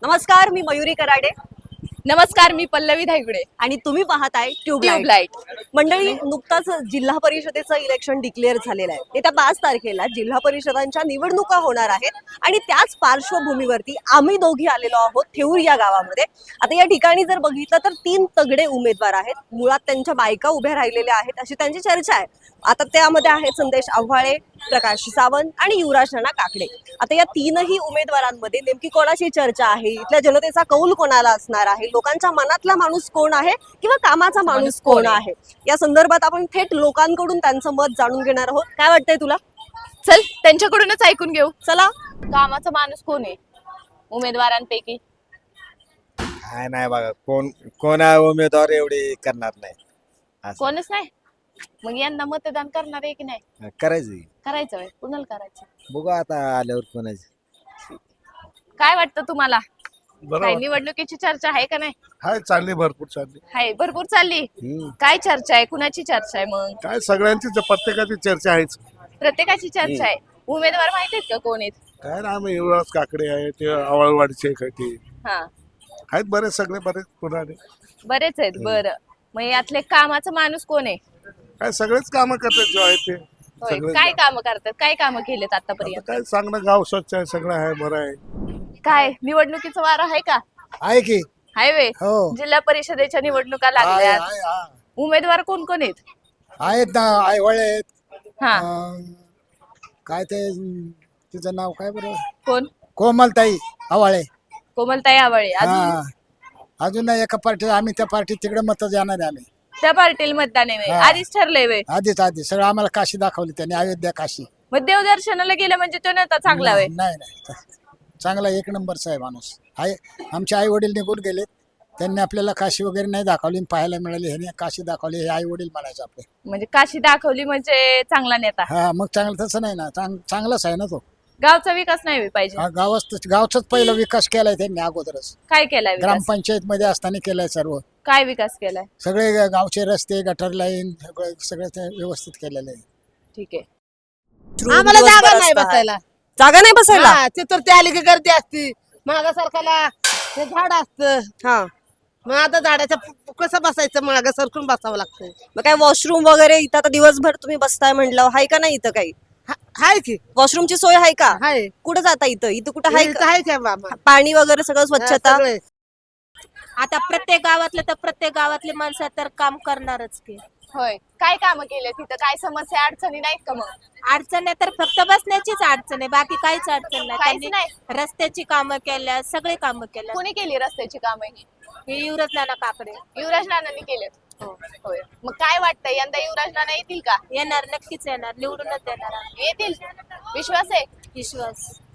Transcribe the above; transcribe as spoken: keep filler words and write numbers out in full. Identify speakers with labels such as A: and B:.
A: नमस्कार, मी मयुरी कराडे.
B: नमस्कार, मी पल्लवी धायगुडे
A: आणि तुम्ही पाहताय ट्यूबलाइट.
B: ट्यूबलाइट.
A: मंडळी, नुकताच जिल्हा परिषदेचं इलेक्शन डिक्लेअर झालेलं आहे. येत्या पाच तारखेला जिल्हा परिषदांच्या निवडणुका होणार आहेत आणि त्याच पार्श्वभूमीवरती आम्ही दोघी आलेलो आहोत थेऊर या गावामध्ये. आता या ठिकाणी जर बघितलं तर तीन तगडे उमेदवार आहेत. मुळात त्यांच्या बायका उभ्या राहिलेल्या आहेत अशी त्यांची चर्चा आहे. आता त्यामध्ये आहेत संदेश आव्हाळे, प्रकाश सावंत आणि युवराज राणा काकडे. आता या तीनही उमेदवारांमध्ये नेमकी कोणाची चर्चा आहे, इथल्या जनतेचा कौल कोणाला असणार आहे, लोकांच्या मनातला माणूस कोण आहे किंवा कामाचा माणूस कोण आहे, या संदर्भात आपण थेट लोकांकडून त्यांचं मत जाणून घेणार आहोत. काय वाटतंय तुला?
B: चल त्यांच्याकडूनच ऐकून घेऊ.
A: चला.
B: कामाचा माणूस कोण आहे उमेदवारांपैकी?
C: काय नाही बघा, कोण कोण उमेदवार एवढे करणार नाही असं.
B: कोणच नाही. मग यंदा मतदान करणार आहे की नाही?
C: करायचं
B: करायचं आहे. कुणाला करायचं?
C: बघू आता आल्यावर कोणाचं.
B: काय वाटतं तुम्हाला? काय
D: बरोबर
B: निवडणुकीची चर्चा आहे का नाही?
D: हाय, चालली भरपूर चालली.
B: आहे, भरपूर चालली.
C: हम्म.
B: काय चर्चा आहे? कुणाची चर्चा आहे? मग
D: काय सगळ्यांची ज- प्रत्येकाची चर्चा आहेच.
B: प्रत्येकाची चर्चा आहे. उमेदवार माहिती आहेत का कोण आहेत?
D: काय ना, आम्ही युवराज काकडे आहे, ते आवळवाडीचे काय ते
B: हा,
D: आहेत, बरेच सगळे बरेच पुराणे.
B: बरेच आहेत. बरं, मग यातले कामाचा माणूस कोण आहे?
D: काय सगळेच कामं करतात जे आहेत ते
B: होय,
D: सगळे.
B: काय काम करतात? काय काम केलेत
D: आता
B: आतापर्यंत?
D: काय चांगलं गाव स्वच्छ आहे, सगळं आहे, बरं आहे.
B: काय निवडणुकीचं वार आहे का?
C: आहे की
B: हायवे
C: हो
B: जिल्हा परिषदेच्या निवडणुका
C: आहे,
B: लागल्यात.
C: आहे, हा.
B: उमेदवार कोण कोण आहेत?
C: आहेत ना, आईवळे आहेत.
B: हा,
C: अं, काय ते तिचं नाव काय बरं,
B: कोण?
C: कोमलताई आवाळे.
B: कोमलताई आवाळे. अजून
C: हा. अजून नाही, एका पार्टी आम्ही त्या पार्टी तिकडे मत जाणार आहे आम्ही.
B: त्या पार्टीला मतदान आहे व्हय.
C: हा.
B: आधीच ठरलंय वे.
C: आधीच आधी सगळं आम्हाला काशी दाखवली त्यांनी, अयोध्या काशी.
B: मग देवदर्शनाला गेलं म्हणजे तो नेता चांगला वे.
C: नाही नाही, चांगला एक नंबरचा आहे माणूस. आई आमचे आई वडील निघून गेलेत, त्यांनी आपल्याला काशी वगैरे नाही दाखवली, पाहायला मिळाली. ह्याने काशी दाखवली, हे आई वडील म्हणायचं आपले.
B: म्हणजे काशी दाखवली म्हणजे चांगला नेता.
C: हा, मग चांगलं तसं नाही ना, चांग चांगलाच आहे ना तो.
B: गावचा विकास नाही व्हय पाहिजे.
C: हा, गावाच गावचाच पहिला विकास केलाय त्यांनी अगोदरच.
B: काय केलाय विकास?
C: ग्रामपंचायत मध्ये असताना केलाय सर्व.
B: काय विकास केलाय?
C: सगळे ग- गावचे रस्ते, गटर लाईन सगळं सगळं ते व्यवस्थित केलेलं आहे.
B: ठीक आहे.
E: आम्हाला
A: दिवसभर
E: जागा नाही
A: असतात.
E: बसायला.
A: जागा नाही बसायला.
E: हा, चतुर्थी आली की गर्दी असती. माग सरकारला ते झाड असतं.
A: हा,
E: मग आता झाडाच्या प- कसं बसायचं, माग सरकून बसावं लागतं.
A: मग काय वॉशरूम वगैरे इथं आता दिवसभर तुम्ही बसताय म्हणलं, हाय का नाही इथं काही?
E: हा- हाय की
A: वॉशरूमची सोय आहे का?
E: हाय
A: कुठं जाता इथं? इथं कुठं आहे
E: इथं
A: का?
E: हाय की बाबा.
A: पाणी वगैरे सगळं स्वच्छता?
E: हा, सगळे.
F: आता प्रत्येक गावातले तर प्रत्येक गावातले माणसं तर काम करणारच की.
B: होय, काय काम केले तिथं? काय समस्या अडचणी नाहीत का? मग
F: अडचण आहे तर फक्त बसण्याचीच अडचण आहे, बाकी काहीच अडचण नाही.
B: काहीच
F: त्यांनी
B: नाही.
F: रस्त्याची कामं केल्या, सगळे कामं केल्या.
B: कोणी केली रस्त्याची कामं ही?
F: हे युवराज नाना काकडे
B: युवराज राणांनी केलेत.
F: हो.
B: होय, मग काय वाटतंय यंदा युवराज राणा येतील का?
F: येणार, नक्कीच येणार, निवडूनच देणार आम्ही.
B: येतील, विश्वास आहे.
F: विश्वास.